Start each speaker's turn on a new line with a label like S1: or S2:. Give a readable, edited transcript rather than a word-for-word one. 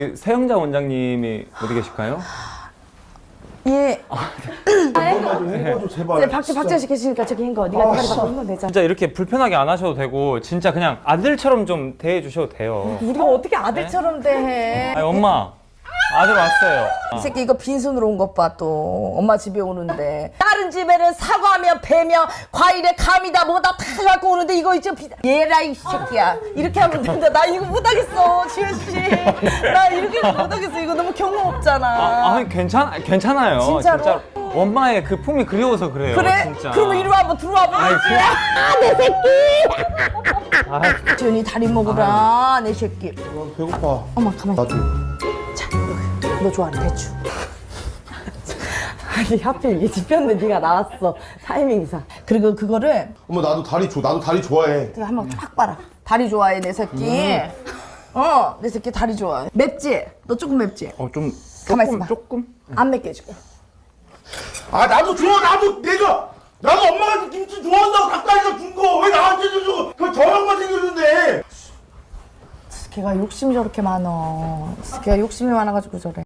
S1: 세영자 원장님이 어디 계실까요?
S2: 예.
S3: 좀 해봐줘 제발.
S2: 박재 씨 계시니까 저기 한 거. 네가 대가리 받고 한번 내자.
S1: 진짜 이렇게 불편하게 안 하셔도 되고 진짜 그냥 아들처럼 좀 대해 주셔도 돼요.
S2: 우리가 어떻게 아들처럼 대해?
S1: 아니 엄마 아들 왔어요.
S2: 이 새끼 이거 빈손으로 온 것 봐 또. 엄마 집에 오는데 다른 집에는 사과며 배며 과일에 감이다 뭐다 다 갖고 오는데 이거 이제 얘라 이 새끼야. 이렇게 하면 된다. 나 이거 못하겠어 지효 씨. 나 이렇게 못하겠어. 이거 너무 경험 없잖아.
S1: 아니 괜찮아요.
S2: 진짜로?
S1: 엄마의 그 품이 그리워서 그래요.
S2: 그래?
S1: 진짜.
S2: 그러면 이리 와 한번 들어와 봐.
S1: 아이,
S2: 내 새끼. 지훈이 다리 먹으라 내 새끼.
S3: 배고파.
S2: 엄마 가만히.
S3: 나도.
S2: 자, 너 좋아하는 대추. 아니 하필 이 집혔는데 네가 나왔어. 타이밍상. 그리고 그거를
S3: 엄마 나도 다리 줘. 나도 다리 좋아해.
S2: 내가 한번 쫙 봐라. 다리 좋아해 내 새끼. 내 새끼 다리 좋아해. 맵지? 너 조금 맵지?
S1: 좀
S2: 가만 있어봐.
S1: 조금.
S2: 안 맵게 해줄게.
S3: 아 나도 줘. 나도 엄마가 김치 좋아한다고 닭다리가 준 거 왜 나한테 줘? 그거 저 형만 생겼는데.
S2: 걔가 욕심이 저렇게 많어. 걔가 욕심이 많아가지고 저래.